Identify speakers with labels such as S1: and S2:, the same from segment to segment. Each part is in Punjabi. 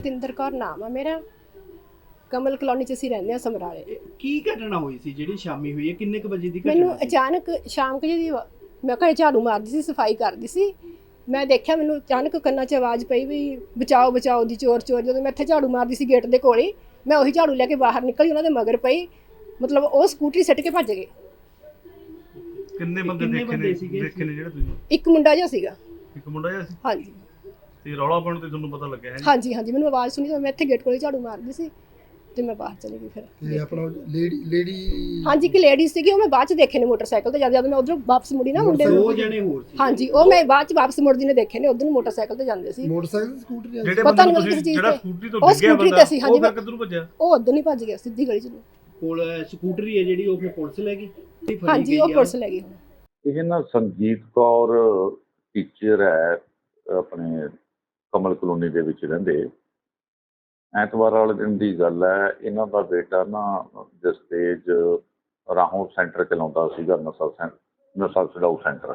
S1: ਜਤਿੰਦਰ ਕੌਰ ਨਾਮ ਆ ਮੇਰਾ। ਕਮਲ ਕਲੋਨੀ ਚ ਅਸੀਂ ਰਹਿੰਦੇ ਆ ਸਮਰਾਲੇ।
S2: ਕੀ ਘਟਨਾ ਹੋਈ ਸੀ ਜਿਹੜੀ ਸ਼ਾਮੀ ਹੋਈ ਹੈ? ਕਿੰਨੇ ਕੁ ਵਜੇ ਦੀ ਘਟਨਾ
S1: ਮੈਨੂੰ
S2: ਸੀ?
S1: ਅਚਾਨਕ ਸ਼ਾਮ ਕੁ ਜਿਹੀ ਮੈਂ ਘਰੇ ਝਾੜੂ ਮਾਰਦੀ ਸੀ, ਸਫਾਈ ਕਰਦੀ ਸੀ। ਮੈਂ ਦੇਖਿਆ ਮੈਨੂੰ ਅਚਾਨਕ ਕੰਨਾਂ 'ਚ ਆਵਾਜ਼ ਪਈ ਵੀ ਬਚਾਓ ਬਚਾਓ ਦੀ, ਚੋਰ ਚੋਰ। ਜਦੋਂ ਮੈਂ ਇੱਥੇ ਝਾੜੂ ਮਾਰਦੀ ਸੀ ਗੇਟ ਦੇ ਕੋਲ ਹੀ, ਮੈਂ ਉਹੀ ਝਾੜੂ ਲੈ ਕੇ ਬਾਹਰ ਨਿਕਲੀ, ਉਹਨਾਂ ਦੇ ਮਗਰ ਪਈ। ਮਤਲਬ ਉਹ ਸਕੂਟਰੀ ਸਿੱਟ ਕੇ ਭੱਜ ਗਏ।
S3: ਕਿੰਨੇ ਬੰਦੇ ਦੇਖੇ ਨੇ ਜਿਹੜੇ ਤੁਸੀਂ?
S1: ਇੱਕ ਮੁੰਡਾ ਜਿਹਾ ਸੀਗਾ।
S3: ਇੱਕ ਮੁੰਡਾ ਜਿਹਾ ਸੀ
S1: ਹਾਂਜੀ
S3: ਤੇ ਰੌਲਾ ਪਾਉਣ ਤੇ ਤੁਹਾਨੂੰ ਪਤਾ ਲੱਗਿਆ ਹੈ?
S1: ਹਾਂਜੀ ਹਾਂਜੀ, ਮੈਨੂੰ ਆਵਾਜ਼ ਸੁਣੀ ਤਾਂ ਮੈਂ ਇੱਥੇ ਗੇਟ ਕੋਲ ਹੀ ਝਾੜੂ ਮਾਰਦੀ ਸੀ ਤੇ ਮੈਂ ਬਾਹਰ ਚਲੀ ਗਈ। ਫਿਰ
S4: ਤੇ ਆਪਣਾ ਲੇਡੀ
S1: ਹਾਂਜੀ, ਇੱਕ ਲੇਡੀ ਸੀਗੀ, ਉਹ ਮੈਂ ਬਾਅਦ ਚ ਦੇਖੇ ਨੇ ਮੋਟਰਸਾਈਕਲ ਤੇ। ਜਦ ਮੈਂ ਉਧਰੋਂ ਵਾਪਸ ਮੁੜੀ ਨਾ ਮੁੰਡੇ
S2: ਦੋ
S1: ਨੂੰ,
S2: ਜਣੇ ਹੋਰ ਸੀ?
S1: ਹਾਂਜੀ, ਉਹ ਮੈਂ ਬਾਅਦ ਚ ਵਾਪਸ ਮੁੜਦੀ ਨੇ ਦੇਖੇ ਨੇ। ਉਧਰ ਨੂੰ ਮੋਟਰਸਾਈਕਲ ਤੇ ਜਾਂਦੇ ਸੀ।
S4: ਮੋਟਰਸਾਈਕਲ ਸਕੂਟਰ
S3: ਜਿਹੜੇ
S1: ਪਤਾ
S3: ਬੰਦੇ
S1: ਨਹੀਂ
S3: ਤੁਸੀਂ
S1: ਕਿਸ ਚੀਜ਼
S3: ਜਿਹੜਾ
S1: ਤੇ।
S3: ਸਕੂਟਰੀ ਤੋਂ
S1: ਉਹ
S3: ਡਿੱਗਿਆ
S1: ਸਕੂਟਰੀ
S3: ਬੰਦਾ
S1: ਤੇ ਸੀ, ਹਾਂਜੀ,
S3: ਉਹ ਫਿਰ ਕਿੱਧਰੋਂ ਭੱਜਿਆ?
S1: ਉਹ ਉਧਰ ਨਹੀਂ ਭੱਜ ਗਿਆ, ਸਿੱਧੀ ਗਲੀ ਚ ਨੂੰ।
S2: ਕੋਲ ਸਕੂਟਰੀ ਹੈ ਜਿਹੜੀ, ਉਹ ਫਿਰ ਪੁਲਿਸ ਲੈ ਗਈ?
S1: ਹਾਂਜੀ, ਉਹ ਪੁਲਿਸ ਲੈ ਗਈ।
S5: ਇਹ ਨਾ ਸੰਜੀਤ ਕੌਰ ਟੀਚਰ ਹੈ, ਆਪਣੇ ਕਮਲ ਕਲੋਨੀ ਦੇ ਵਿੱਚ ਰਹਿੰਦੇ। ਐਤਵਾਰ ਵਾਲੇ ਦਿਨ ਦੀ ਗੱਲ ਹੈ। ਇਹਨਾਂ ਦਾ ਬੇਟਾ ਨਾ ਜਸਤੇਜ ਰਾਹੋਂ ਸੈਂਟਰ ਚਲਾਉਂਦਾ ਸੀਗਾ, ਨਸ਼ਾ ਛਡਾਊ ਸੈਂਟਰ।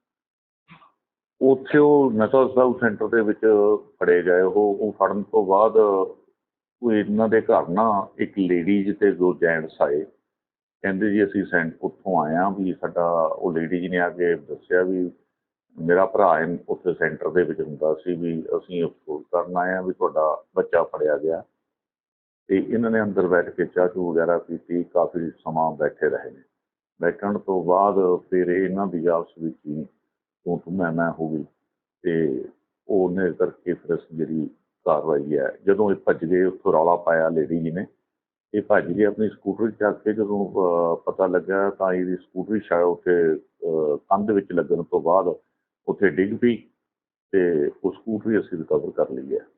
S5: ਉੱਥੇ ਉਹ ਨਸ਼ਾ ਛਡਾਊ ਸੈਂਟਰ ਦੇ ਵਿੱਚ ਫੜੇ ਗਏ। ਉਹ ਫੜਨ ਤੋਂ ਬਾਅਦ ਉਹ ਇਹਨਾਂ ਦੇ ਘਰ ਨਾ ਇੱਕ ਲੇਡੀਜ਼ ਤੇ ਦੋ ਜੈਂਟਸ ਆਏ। ਕਹਿੰਦੇ ਜੀ ਅਸੀਂ ਉੱਥੋਂ ਆਏ ਹਾਂ ਵੀ ਸਾਡਾ, ਉਹ ਲੇਡੀ ਜੀ ਨੇ ਆ ਕੇ ਦੱਸਿਆ ਵੀ ਮੇਰਾ ਭਰਾ ਉੱਥੇ ਸੈਂਟਰ ਦੇ ਵਿੱਚ ਹੁੰਦਾ ਸੀ, ਵੀ ਅਸੀਂ ਅਫਸੋਸ ਕਰਨ ਆਏ ਹਾਂ ਵੀ ਤੁਹਾਡਾ ਬੱਚਾ ਫੜਿਆ ਗਿਆ। ਤੇ ਇਹਨਾਂ ਨੇ ਅੰਦਰ ਬੈਠ ਕੇ ਚਾਹ ਚੂਹ ਵਗੈਰਾ ਪੀਤੀ, ਕਾਫੀ ਸਮਾਂ ਬੈਠੇ ਰਹੇ ਨੇ। ਬੈਠਣ ਤੋਂ ਬਾਅਦ ਫਿਰ ਇਹਨਾਂ ਦੀ ਆਪਸ ਵਿੱਚ ਹੀ ਤੂੰ ਮੈਂ ਹੋ ਗਈ ਤੇ ਉਹਨੇ ਕਰਕੇ ਫਿਰ ਜਿਹੜੀ ਕਾਰਵਾਈ ਹੈ, ਜਦੋਂ ਇਹ ਭੱਜ ਗਏ, ਉੱਥੋਂ ਰੌਲਾ ਪਾਇਆ ਲੇਡੀ ਜੀ ਨੇ। ਇਹ ਭੱਜ ਗਏ ਆਪਣੀ ਸਕੂਟਰੀ ਚੱਕ ਕੇ। ਜਦੋਂ ਪਤਾ ਲੱਗਾ ਤਾਂ ਇਹਦੀ ਸਕੂਟਰੀ ਸ਼ਾਇਦ ਉੱਥੇ ਕੰਧ ਵਿੱਚ ਲੱਗਣ ਤੋਂ ਬਾਅਦ ਉੱਥੇ ਡਿੱਗ ਪਈ ਤੇ ਉਹ ਸਕੂਟਰੀ ਅਸੀਂ ਰਿਕਵਰ ਕਰ ਲਈ ਹੈ।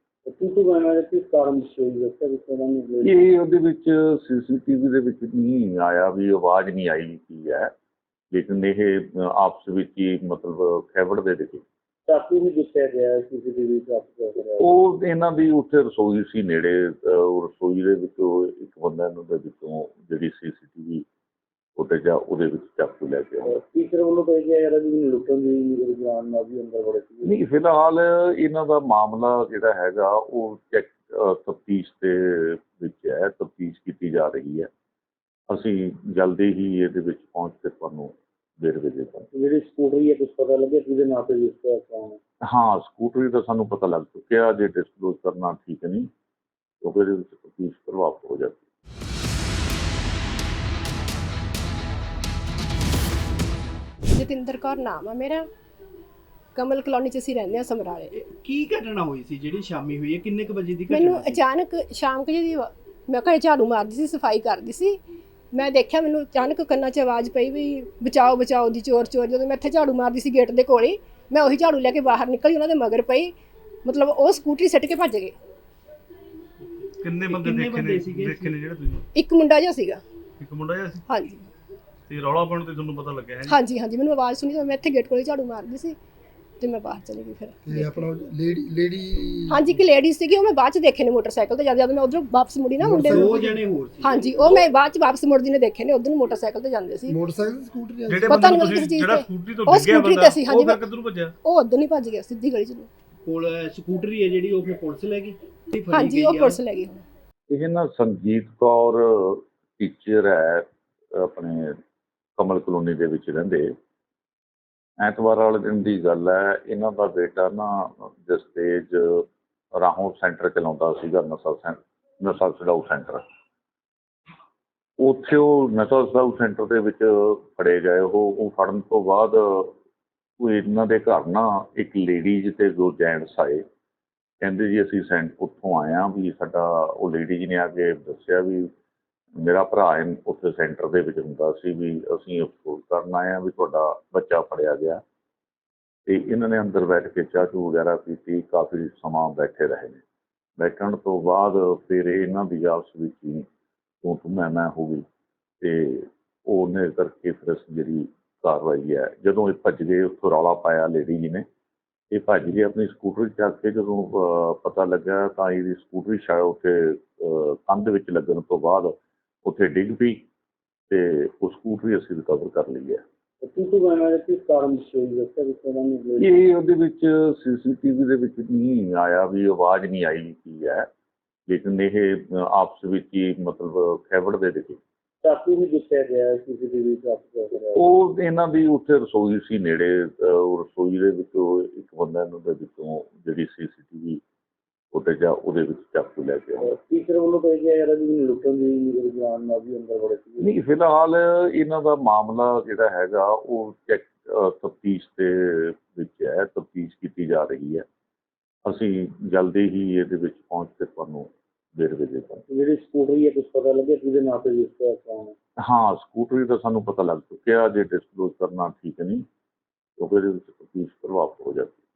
S5: ਇਹ ਉਹਦੇ ਵਿੱਚ CCTV ਦੇ ਵਿੱਚ ਨਹੀਂ ਆਇਆ ਵੀ ਆਵਾਜ਼ ਨਹੀਂ ਆਈ ਕੀ ਹੈ, ਲੇਕਿਨ ਇਹ ਆਪਸ ਵਿੱਚ ਹੀ ਮਤਲਬ ਖੈਬੜ ਦੇ ਦਿਖੇ।
S6: ਚਾਕੂ ਵੀ ਦਿੱਤਾ ਗਿਆ CCTV
S5: ਉਹ ਇਹਨਾਂ ਦੀ ਉੱਥੇ ਰਸੋਈ ਸੀ ਨੇੜੇ, ਉਹ ਰਸੋਈ ਦੇ ਵਿੱਚੋਂ ਇੱਕ ਬੰਦਾ ਇਹਨਾਂ ਦੇ ਵਿੱਚੋਂ ਜਿਹੜੀ CCTV ਉੱਤੇ ਜਾ ਉਹਦੇ ਵਿੱਚ ਚਾਕੂ ਲੈ ਕੇ ਆਇਆ।
S6: ਟੀਚਰ ਵੱਲੋਂ ਕਹਿ ਗਿਆ ਯਾਰ ਵੀ ਲੁੱਟਣ ਦੀ ਜਾਨ ਨਾਲ ਵੀ ਅੰਦਰ ਵੜੇ ਸੀ।
S5: ਨਹੀਂ, ਫਿਲਹਾਲ ਇਹਨਾਂ ਦਾ ਮਾਮਲਾ ਜਿਹੜਾ ਹੈਗਾ ਉਹ ਤਫਤੀਸ਼ ਦੇ ਵਿੱਚ ਹੈ, ਤਫਤੀਸ਼ ਕੀਤੀ ਜਾ ਰਹੀ ਹੈ। ਅਸੀਂ ਜਲਦੀ ਹੀ ਇਹਦੇ ਵਿੱਚ ਪਹੁੰਚ ਕੇ ਤੁਹਾਨੂੰ ਵੇਰਵੇ ਦੇ ਦਾਂਗੇ।
S6: ਜਿਹੜੀ ਸਕੂਟਰੀ ਹੈ ਕੁਛ ਪਤਾ ਲੱਗਿਆ ਕਿਹਦੇ ਨਾਂ ਤੇ ਰਜਿਸਟਰ ਕਰਾਉਣਾ?
S5: ਹਾਂ, ਸਕੂਟਰੀ ਦਾ ਸਾਨੂੰ ਪਤਾ ਲੱਗ ਚੁੱਕਿਆ। ਜੇ ਡਿਸਕਲੋਜ਼ ਕਰਨਾ ਠੀਕ ਨਹੀਂ, ਕਿਉਂਕਿ ਇਹਦੇ ਵਿੱਚ ਤਫਤੀਸ਼ ਪ੍ਰਭਾਵਿਤ ਹੋ ਜਾਂਦੀ।
S1: ਜਤਿੰਦਰ ਕੌਰ ਨਾਮ ਆ ਮੇਰਾ। ਕਮਲ ਕਲੋਨੀ ਚ ਅਸੀਂ ਰਹਿੰਦੇ ਆ ਸਮਰਾਲੇ।
S2: ਕੀ ਘਟਨਾ ਹੋਈ ਸੀ ਜਿਹੜੀ ਸ਼ਾਮੀ ਹੋਈ ਹੈ? ਕਿੰਨੇ ਕੁ ਵਜੇ ਦੀ ਘਟਨਾ
S1: ਮੈਨੂੰ
S2: ਸੀ?
S1: ਅਚਾਨਕ ਸ਼ਾਮ ਕੁ ਜਿਹੀ ਮੈਂ ਘਰੇ ਝਾੜੂ ਮਾਰਦੀ ਸੀ, ਸਫਾਈ ਕਰਦੀ ਸੀ। ਮੈਂ ਦੇਖਿਆ ਮੈਨੂੰ ਅਚਾਨਕ ਕੰਨਾਂ 'ਚ ਆਵਾਜ਼ ਪਈ ਵੀ ਬਚਾਓ ਬਚਾਓ ਦੀ, ਚੋਰ ਚੋਰ। ਜਦੋਂ ਮੈਂ ਇੱਥੇ ਝਾੜੂ ਮਾਰਦੀ ਸੀ ਗੇਟ ਦੇ ਕੋਲ ਹੀ, ਮੈਂ ਉਹੀ ਝਾੜੂ ਲੈ ਕੇ ਬਾਹਰ ਨਿਕਲੀ, ਉਹਨਾਂ ਦੇ ਮਗਰ ਪਈ। ਮਤਲਬ ਉਹ ਸਕੂਟਰੀ ਸਿੱਟ ਕੇ ਭੱਜ ਗਏ।
S3: ਕਿੰਨੇ ਬੰਦੇ ਦੇਖੇ ਨੇ ਜਿਹੜੇ ਤੁਸੀਂ?
S1: ਇੱਕ ਮੁੰਡਾ ਜਿਹਾ ਸੀਗਾ।
S3: ਇੱਕ ਮੁੰਡਾ ਜਿਹਾ ਸੀ
S1: ਹਾਂਜੀ
S3: ਤੇ ਰੌਲਾ ਪਾਉਣ ਤੇ ਤੁਹਾਨੂੰ ਪਤਾ ਲੱਗਿਆ ਹੈ?
S1: ਹਾਂਜੀ ਹਾਂਜੀ, ਮੈਨੂੰ ਆਵਾਜ਼ ਸੁਣੀ ਤਾਂ ਮੈਂ ਇੱਥੇ ਗੇਟ ਕੋਲ ਹੀ ਝਾੜੂ ਮਾਰਦੀ ਸੀ ਤੇ ਮੈਂ ਬਾਹਰ ਚਲੀ ਗਈ। ਫਿਰ
S4: ਤੇ ਆਪਣਾ ਲੇਡੀ
S1: ਹਾਂਜੀ, ਇੱਕ ਲੇਡੀ ਸੀਗੀ, ਉਹ ਮੈਂ ਬਾਅਦ ਚ ਦੇਖੇ ਨੇ ਮੋਟਰਸਾਈਕਲ ਤੇ। ਜਦ ਮੈਂ ਉਧਰੋਂ ਵਾਪਸ ਮੁੜੀ ਨਾ ਮੁੰਡੇ ਨੂੰ,
S2: ਦੋ ਜਣੇ ਹੋਰ ਸੀ?
S1: ਹਾਂਜੀ, ਉਹ ਮੈਂ ਬਾਅਦ ਚ ਵਾਪਸ ਮੁੜਦੀ ਨੇ ਦੇਖੇ ਨੇ। ਉਧਰ ਨੂੰ ਮੋਟਰਸਾਈਕਲ ਤੇ ਜਾਂਦੇ ਸੀ।
S4: ਮੋਟਰਸਾਈਕਲ ਸਕੂਟਰ
S3: ਜਿਹੜੇ
S1: ਪਤਾ
S3: ਬੰਦੇ
S1: ਨਹੀਂ
S3: ਤੁਸੀਂ
S1: ਕਿਸ ਚੀਜ਼
S3: ਜਿਹੜਾ
S1: ਤੇ।
S3: ਸਕੂਟਰੀ ਤੋਂ
S1: ਉਹ
S3: ਡਿੱਗਿਆ
S1: ਸਕੂਟਰੀ
S3: ਬੰਦਾ
S1: ਤੇ ਸੀ,
S3: ਉਹ
S1: ਹਾਂਜੀ,
S3: ਫਿਰ ਕਿੱਧਰੋਂ ਭੱਜਿਆ?
S1: ਉਹ ਉਧਰ ਨਹੀਂ ਭੱਜ ਗਿਆ, ਸਿੱਧੀ ਗਲੀ ਚ ਨੂੰ।
S2: ਕੋਲ ਸਕੂਟਰੀ ਹੈ ਜਿਹੜੀ, ਉਹ ਫਿਰ ਪੁਲਿਸ ਲੈ ਗਈ?
S1: ਹਾਂਜੀ, ਉਹ ਪੁਲਿਸ ਲੈ ਗਈ।
S5: ਇਹ ਨਾ ਸੰਜੀਤ ਕੌਰ ਟੀਚਰ ਹੈ, ਆਪਣੇ ਕਮਲ ਕਲੋਨੀ ਦੇ ਵਿੱਚ ਰਹਿੰਦੇ। ਐਤਵਾਰ ਵਾਲੇ ਦਿਨ ਦੀ ਗੱਲ ਹੈ। ਇਹਨਾਂ ਦਾ ਬੇਟਾ ਨਾ ਜਸਤੇਜ ਰਾਹੋਂ ਸੈਂਟਰ ਚਲਾਉਂਦਾ ਸੀਗਾ, ਨਸ਼ਾ ਛਡਾਊ ਸੈਂਟਰ। ਉੱਥੇ ਉਹ ਨਸ਼ਾ ਛਡਾਊ ਸੈਂਟਰ ਦੇ ਵਿੱਚ ਫੜੇ ਗਏ। ਉਹ ਫੜਨ ਤੋਂ ਬਾਅਦ ਉਹ ਇਹਨਾਂ ਦੇ ਘਰ ਨਾ ਇੱਕ ਲੇਡੀਜ਼ ਤੇ ਦੋ ਜੈਂਟਸ ਆਏ। ਕਹਿੰਦੇ ਜੀ ਅਸੀਂ ਉੱਥੋਂ ਆਏ ਹਾਂ ਵੀ ਸਾਡਾ, ਉਹ ਲੇਡੀ ਜੀ ਨੇ ਆ ਕੇ ਦੱਸਿਆ ਵੀ ਮੇਰਾ ਭਰਾ ਉੱਥੇ ਸੈਂਟਰ ਦੇ ਵਿੱਚ ਹੁੰਦਾ ਸੀ, ਵੀ ਅਸੀਂ ਅਫਸੋਸ ਕਰਨ ਆਏ ਹਾਂ ਵੀ ਤੁਹਾਡਾ ਬੱਚਾ ਫੜਿਆ ਗਿਆ। ਤੇ ਇਹਨਾਂ ਨੇ ਅੰਦਰ ਬੈਠ ਕੇ ਚਾਹ ਚੂਹ ਵਗੈਰਾ ਪੀਤੀ, ਕਾਫੀ ਸਮਾਂ ਬੈਠੇ ਰਹੇ ਨੇ। ਬੈਠਣ ਤੋਂ ਬਾਅਦ ਫਿਰ ਇਹਨਾਂ ਦੀ ਆਪਸ ਵਿੱਚ ਹੀ ਤੂੰ ਮੈਂ ਹੋ ਗਈ ਤੇ ਉਹਨੇ ਕਰਕੇ ਫਿਰ ਜਿਹੜੀ ਕਾਰਵਾਈ ਹੈ, ਜਦੋਂ ਇਹ ਭੱਜ ਗਏ, ਉੱਥੋਂ ਰੌਲਾ ਪਾਇਆ ਲੇਡੀ ਜੀ ਨੇ। ਇਹ ਭੱਜ ਗਏ ਆਪਣੀ ਸਕੂਟਰੀ ਚੱਕ ਕੇ। ਜਦੋਂ ਪਤਾ ਲੱਗਾ ਤਾਂ ਇਹਦੀ ਸਕੂਟਰੀ ਸ਼ਾਇਦ ਉੱਥੇ ਕੰਧ ਵਿੱਚ ਲੱਗਣ ਤੋਂ ਬਾਅਦ ਉੱਥੇ ਡਿੱਗ ਪਈ ਤੇ ਉਹ ਸਕੂਟਰੀ ਅਸੀਂ ਰਿਕਵਰ ਕਰ ਲਈ ਹੈ। ਇਹ ਉਹਦੇ ਵਿੱਚ CCTV ਦੇ ਵਿੱਚ ਨਹੀਂ ਆਇਆ ਵੀ ਆਵਾਜ਼ ਨਹੀਂ ਆਈ ਕੀ ਹੈ, ਲੇਕਿਨ ਇਹ ਆਪਸ ਵਿੱਚ ਹੀ ਮਤਲਬ ਖੈਬੜਦੇ ਰਹੇ।
S6: ਚਾਕੂ ਵੀ ਦੱਸਿਆ ਗਿਆ ਸੀਸੀਟੀਵੀ ਕੈਪਚਰ ਕਰਿਆ।
S5: ਉਹ ਇਹਨਾਂ ਦੀ ਉੱਥੇ ਰਸੋਈ ਸੀ ਨੇੜੇ, ਉਹ ਰਸੋਈ ਦੇ ਵਿੱਚੋਂ ਇੱਕ ਬੰਦਾ ਇਹਨਾਂ ਦੇ ਵਿੱਚੋਂ ਜਿਹੜੀ ਸੀਸੀਟੀਵੀ ਫੁਟੇਜ ਆ ਉਹਦੇ ਵਿੱਚ ਚਾਕੂ ਲੈ ਕੇ ਆਇਆ।
S6: ਟੀਚਰ ਵੱਲੋਂ ਕਹਿ ਗਿਆ ਯਾਰ ਵੀ ਲੁੱਟਣ ਦੀ ਰੁਝਾਨ ਨਾਲ ਵੀ ਅੰਦਰ ਬੜੇ ਸੀ।
S5: ਨਹੀਂ, ਫਿਲਹਾਲ ਇਹਨਾਂ ਦਾ ਮਾਮਲਾ ਜਿਹੜਾ ਹੈਗਾ ਉਹ ਚੈੱਕ ਤਫਤੀਸ਼ ਦੇ ਵਿੱਚ ਹੈ, ਤਫਤੀਸ਼ ਕੀਤੀ ਜਾ ਰਹੀ ਹੈ। ਅਸੀਂ ਜਲਦੀ ਹੀ ਇਹਦੇ ਵਿੱਚ ਪਹੁੰਚ ਕੇ ਤੁਹਾਨੂੰ ਵੇਰਵੇ ਦੇ ਦਾਂਗੇ।
S6: ਜਿਹੜੀ ਸਕੂਟਰੀ ਹੈ ਕੁਝ ਪਤਾ ਲੱਗਿਆ ਕਿਹਦੇ ਨਾਂ ਤੇ ਰਜਿਸਟਰ ਕਰਾਉਣਾ?
S5: ਹਾਂ, ਸਕੂਟਰੀ ਦਾ ਸਾਨੂੰ ਪਤਾ ਲੱਗ ਚੁੱਕਿਆ, ਜੇ ਡਿਸਕਲੋਜ਼ ਕਰਨਾ ਠੀਕ ਨਹੀਂ ਕਿਉਂਕਿ ਇਹਦੇ ਵਿੱਚ ਤਫਤੀਸ਼ ਪ੍ਰਭਾਵਿਤ ਹੋ ਜਾਂਦੀ।